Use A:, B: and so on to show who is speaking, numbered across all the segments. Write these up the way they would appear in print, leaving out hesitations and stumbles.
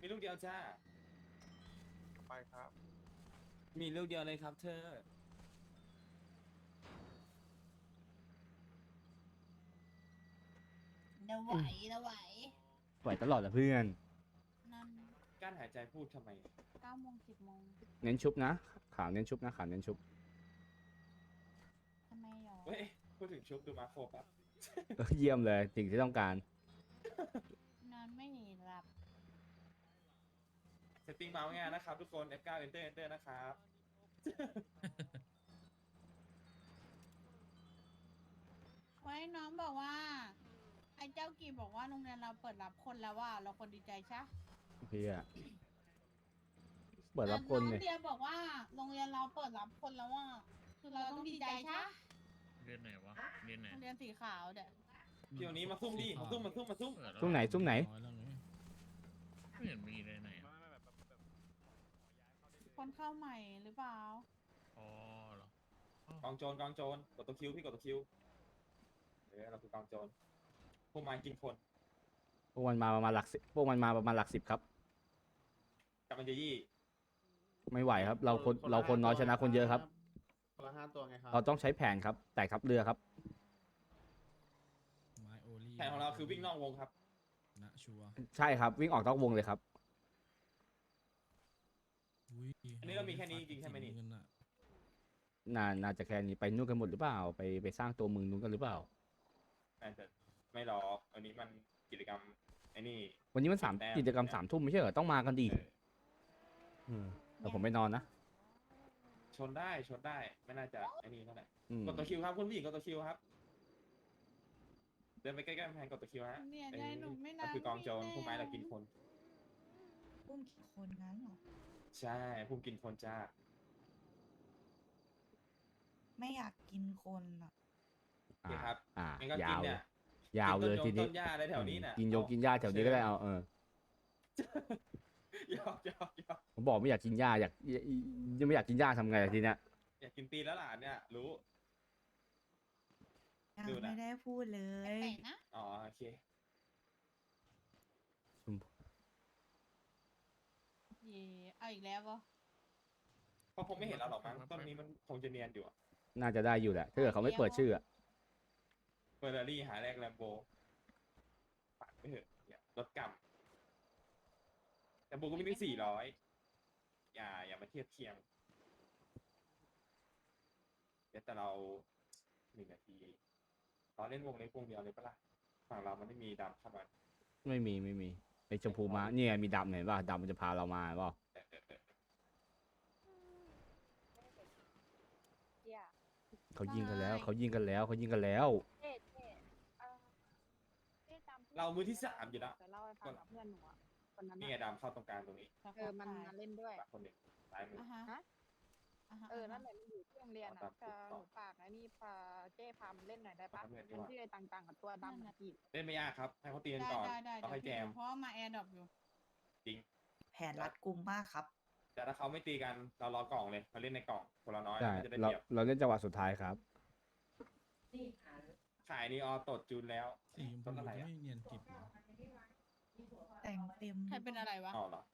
A: มีลูกเดียวจ้า
B: ไปครับ
A: มีลูกเดียวเลยครับเธอ
C: เดี๋ยวไหวเดี๋ยวไหว
D: ไหวตลอดละเพื่อน
C: นั่น
A: กั้นหายใจพูดทำไม
C: 9 โมง 10 โมง
D: เน้นชุบนะขาวเน้นชุบนะขาวเน้นชุบ
C: ทำไมหรอ
A: เฮ้ย พูดถึงชุบดูมาโครครับ
D: เยี่ยมเลยสิ่งที่ต้องการ
C: นอนไม่หลับ
A: เซตติ้งเมาส์ง่ายนะครับทุกคน F9 Enter Enter นะครับ
C: ไว้น้องบอกว่า ไอ้เจ้ากีบอกว่าโรงเรียนเราเปิดรับคนแล้วว่าเราคนดีใจใช่
D: เฮียเปิดรับคน
C: น้
D: เล
C: อย งเดียบอกว่าโรงเรียนเราเปิดรับคนแล้วว่าคือเราต้องดีใจใช่
E: เรียนไหนวะ เรียนไหน
C: โรงเรียนสีขาวเด็ก
A: เที่ยวนี้มาซุ่มดิมาซุ่ม
E: เปิดแล้ว
D: ซุ่มไหนซุ่มไหน
E: ไม่เห็นมีเลยไหนอะ
C: คนเข้าใหม่หรือเปล่า
E: อ๋อเหรอก
A: องโจรกองโจรกดตัวคิวพี่กดตัวคิวเราคือกองโจรพวกมันกินคน
D: พวกมันมาประมาณหลักสิบพวกมันมาประมาณหลักสิบครับ
A: กำลังจะยี่
D: ไม่ไหวครับ เราคนน้อยชนะคนเยอะครับ
B: คนละ5 ตัวไงครับ
D: เราต้องใช้แผนครับ แตกทับเรือครับ
F: ไม้โอลี่
A: แผนของเราคือวิ่งนอกวงครับ
F: นะชัวร์
D: ใช่ครับ วิ่งออกนอกวงเลยครับ
F: อุ๊ย
A: อันนี้เรามีแค่นี้จริงๆใช่ไหมนี่
F: เงินอะ
D: น่าจะแค่นี้ไปนู่นกันหมดหรือเปล่า ไปสร้างตัวเมืองนู้นกันหรือเปล่า
A: แต่ไม่หรอกอันนี้มันกิจกรรมไอ้นี่
D: วันนี้มันสาม
A: แต้ม
D: กิจกรรม3 ทุ่มไม่ใช่เหรอต้องมากันดี
A: เออ
D: แต่ผมไม่นอนนะ
A: ชนได้ชนได้ไม่น่าจะไอ้นี่เท่าไหร่
D: อืม
A: กดตัวคิวครับคุณผู้หญิงกดตัวคิวครับ เดินไปใกล้ๆกำแพงกดตัวคิวฮะ
C: เนี่ยยายหนูไม่
A: ก็
C: นาน
A: คือกองโจรพวกไม้เรากินคน
C: อุ้มกี่คนงั้นเหรอ
A: ใช่พวกกินคนจ้า
G: ไม่อยากกินคนอ่ะ
A: โอเคครับ งั้นก็
D: ยา
A: กิน
D: ว
A: เนี่ย
D: ยาวเลยที
A: กิน
D: นี้
A: ต้นหญ้าอะไรแถวนี้น่ะ
D: กินกินหญ้าแถวนี้ก็ได้เอา
A: หยอก
D: ผมบอกไม่อยากกินหญ้ายังไม่อยากกินหญ้าทำไงล่ะทีเนี้ย
A: อยากกินตีนแล้วล่ะเนี่ยรู้
G: ยัง
A: ดูนะ
G: ไม่ได้พูดเล
C: ไป
G: ย
C: ไหนนะ
A: อ๋อโอเค
C: เย่เอาอีกแล้วปะ
A: เพราะผมไม่เห็นเราหรอกมั้งต้นนี้มันคงจะเนียนอยู่อะ
D: น่าจะได้อยู่แหละถ้าเกิดเขาไม่เปิดชื่ออะ
A: เฟอร์รารี่หาแรกแลมโบปัดไปเถอะอย่ารถกำแลมโบก็มีตั้ง400อย่ามาเทียบเคียงเดี๋ยวแต่เรา1 นาทีตอนเล่นวงเล็กวงเดียวเลยปะล่ะฝั่งเรามันไม่มีดำเข้ามา
D: ไม่มีไอชมพูมาเนี่ยมีดำเห็นป่ะดำมันจะพาเรามาเปล่าเขายิงกันแล้วเขายิงกันแล้วเขายิงกันแล้ว
A: เรามือที่3อยู่แล้ว
H: จะเล่าให้ฟังกับเพื่อนหนูอะคนนั้น
A: นี่ไง
H: อะ
A: ดำเข้าตรงกลางตรงนี้
H: มันมาเล่นด้วย
A: ฝากคนหนึ่งซ้ายมือ
C: อ่ะฮะ
H: ฮะ
C: อ่ะฮะ
H: นั่นแหละมันอยู่ที่โรงเรียน
A: ครั
H: อ่ะ
A: บ
H: จะหนูฝากไอ้นี่พาเจ้พามันเล่นหน่อยได้ปะ
A: ครับเพื่อน
H: มันชื่อไอ้ต่างๆกับตัวดำอะกีบ
A: เล่นไม่ยากครับ ให้เขาตีกัน
C: ได้
A: ก่อน
C: ได้
A: เราค่อยแจม
C: เพราะว่ามาแอร์ดรอปอยู่
G: แผนรัดกุมมากครับ
A: แต่ถ้าเขาไม่ตีกันเรารอกล่องเลยเราเล่นในกล่องคนละน้อย
D: ใช่
A: มันจะได้
D: เรา
A: เปรียบ
D: เราเล่นจังหวะสุดท้ายครับ
A: ขายนี่ออตดจูนแล้ว
F: สีชมพู
A: ต้นอะไร
F: จะ
A: อ่ะ
F: ไม่เนียนกิบเหรอ
G: แต่งเต็ม
C: ใครเป็นอะไรวะ
A: อ๋อเหรอ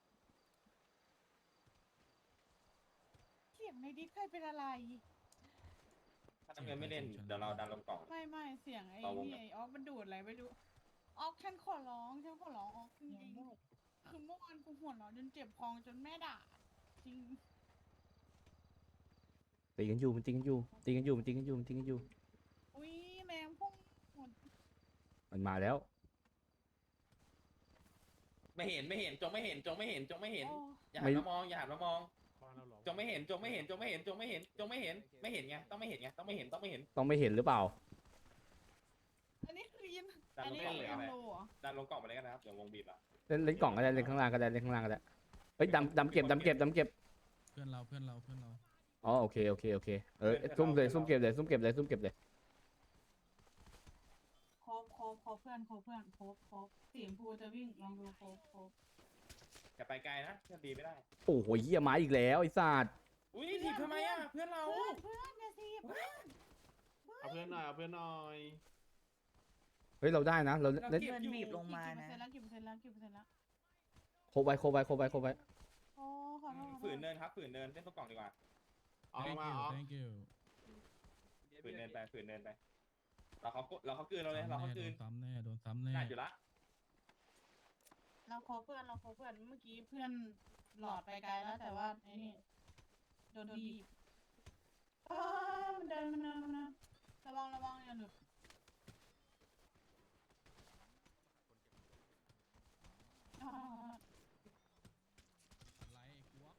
C: เสียงในดิสใครเป็นอะไร
A: ถ้าน้ำเงินไม่เล่นเดี๋ยวเราดันลงกล่อง
C: ไม่เสียงไอ้
A: เราวง
C: นี่
A: ไหน
C: ไอ้ออกมันดูดอะไรไม่รู้ออกฉันขอร้องออกจริงๆคือเมื่อวานกูหัวเราะจนเจ็บคอจนแม่ด่าจริง
D: ตีกันอยู่มันตีกันอยู่ตีกันอยู่มันตีกันอยู่มันตีกันอยู่
C: อุ้ยแมงพุ่งหมด
D: มันมาแล้ว
A: ไม่เห็นจงไม่เห็น
C: โอ้
A: อย่าหันมามองอย่าหันมามองจงไม่เห็นไม่เห็นไงต้องไม่เห็นไงต้องไม่เห็น
D: ต้องไม่เห็นหรือเปล่า
C: อันนี้คือยิน
A: ดัน
C: อัน
A: ลง
C: นี้
A: กล่อง
C: คือ
A: เลย
C: ยั
A: อะ
C: ง
A: ไร
C: โลเหรอ
A: ดันลงกล่องไปเลยกันนะครับเดี๋ยววงบีบอ่ะ
D: เล่นกล่องก็ได้เล่นข้างล่างก็ได้เล่นข้างล่างก็ได้เฮ้ยดำเก็บ
F: เพื่อนเรา
D: อ๋อโอเคซุ่มเก็บเลย
C: ครบเพื่อนสีชมพูจะวิ่งลองดูครบ
A: จะไปไกลนะจะดีไม่ได้
D: โอ้โหเหี้ยมาอีกแล้วไอ้สัตว์
A: อุ้ยถีบทำไมอ่ะเพื่อนเรา
C: เพื่อนเนี่ยสิ
B: เอาเพื่อนหน่อย
D: เฮ้ยเราได้นะเราเล่น
A: ก็บอยู่
G: เงินบีบลงมานะ
C: กี่เปอร์เซ็นต์แล้ว
D: โคบไว้โคบไว้โคบไว้โคบไว้
C: โอ้ขอโทษขอโท
A: ฝืน
C: ษ
A: เดินครับฝืนเดินเล่นตัวกล่องดีกว่า
B: ออก
F: thank
B: มา
F: you
B: ออก
F: thank you
A: ฝืนเดินไปฝืนเดินไปเราเขากลืนเราเลยเราเขากลืน
F: โดนซ้ำแน่โดนซ้ำแน่
A: น่าอยู่ละ
C: เราโคเพื่อนเราโคเพื่อนเมื่อกี้เพื่อนหลอดไปไกลแล้วแต่ว่าไอ้นี่โดนบีบมันเดินระวังอย่าหลุดอ่า
F: อะไรไอ้กวก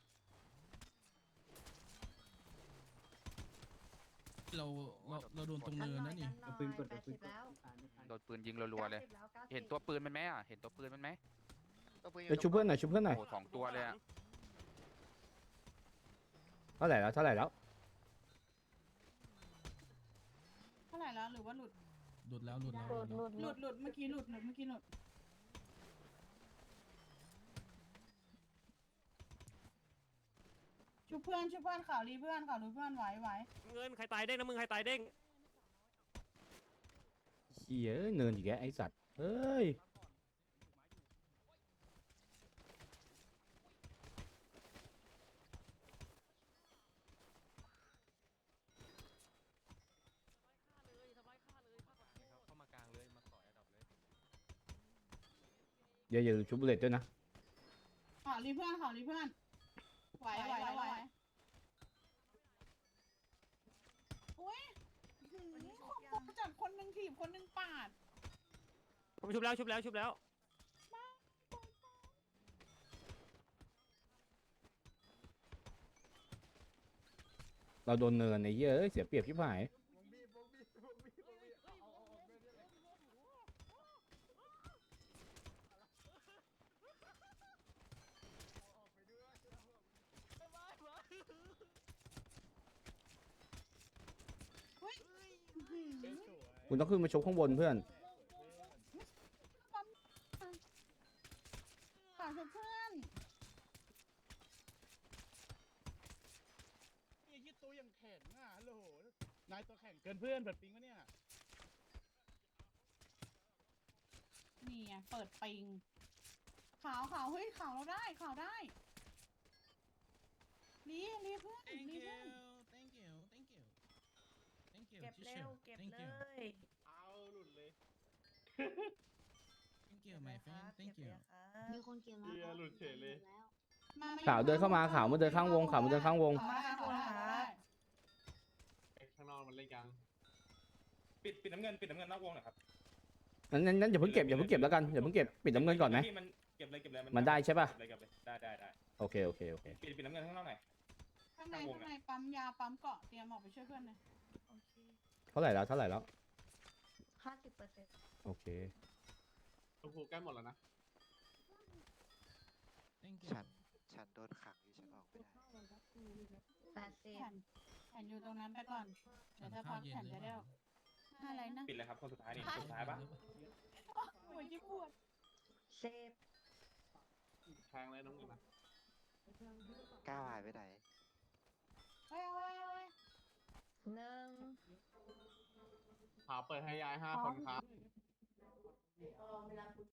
F: เราโดนตรงเนินนะนี่
I: ปืนกดปืนแล้ว
J: โดนปืนยิงรัวๆเลย เห็นตัวปืนมันไหมอ่ะ เห็นตัวปืนมันไหม
D: เดี๋ยวชุบเพื่อนหน่อยชุบเพื่อนหน่อย
J: โอ้สองตัวเลยอ่ะ
D: เท่าไหร่แล้วเท่าไหร่แล้ว
C: เท่าไหร่แล้วหรือว่าหลุด
F: หลุดแล้วหลุดแล้ว
H: หลุด
C: หลุดเมื่อกี้หลุดชุบเพื่อนข่าวรีเพื่อนไหว
K: เงินใครตายเด้งนะมึงใครตายเด้ง
D: เหี้ยเนินอีกแล้วไอ้สัตว์เอ้ย
K: เข้ามากลางเลยมาต่อยอันดับเลย
D: อย่าลืมชุบบุลเลตด้วยนะ
C: ข่าวรีเพื่อนไหวโอ้ยจัดคนหนึ่งถีบคนหนึ่งปาด
K: ผมชุบแล้ว
D: เราโดนเนินไอ้เหี้ยเอ้ยเสียเปรียบชิบหาย คุณต้องขึ้นมาชกข้างบนเพื่อน
C: ข่าวชุบเพื่อน
B: ไอ้ยี่ตัวยังแข็งอ่ะฮัลโหลนายตัวแข็งเกินเพื่อนเปิดปิงวะเนี่ย
C: นี่ไงเปิดปิงข่าวเฮ้ยข่าวเราได้รีเพื่อน
F: thank
C: รี
F: you
C: เพื่อน
F: thank you thank you thank you
G: เก็บเร็ว
F: teacher
G: เก็บ
F: thank
G: เล
F: you
G: ย
B: เอาหลุดเลย
F: thank you my friend thank you
H: มีคนเกี่ยว
B: เหี้ยหลุดเฉยเลย
D: ข่าวเดินเข้ามาข่าวมาเดินข้างวงข่าวมาเดินข้างวง
C: มาได้
B: ข้างนอกมันเล่นกัน
A: ปิดน้ำเงินนอกวงหน่อยครับ
D: นั้นอย่าเพิ่งเก็บแล้วกันอย่าเพิ่งเก็บปิดน้ำเงินก่อนไหม
A: ที่มันเก็บเลย
D: มันได้ใช่ปะ
A: เก็บเลยได้
D: โอเค
A: ปิดน้ำเงินข้างนอกหน่อย
C: ข้างในปั๊มยาปั๊มเกาะเตรียมออกไปช่วยเพื่อนเลย
D: เท่าไหร่แล้ว
G: 50%
D: โอเค
B: โอ้โหใกล้หมดแล้วนะ
F: thank you
I: ฉันโดนขังอยู่ฉันออกไม่ได้
C: แผ่นอยู่ตรงนั้นไปก่อนเดี๋ยวถ้าพักแผ่นจะได้อะไรนะ
A: ปิดเลยครับคนสุดท้ายนี่คนสุดท้ายปะ
C: หัวที่ปวด
G: เซฟ
B: แทงเลยน้องเงินนะ
I: ก้าวหายไปไหน
C: เฮ้ย
G: 1
B: หาเปิดให้ยาย5 คนครับ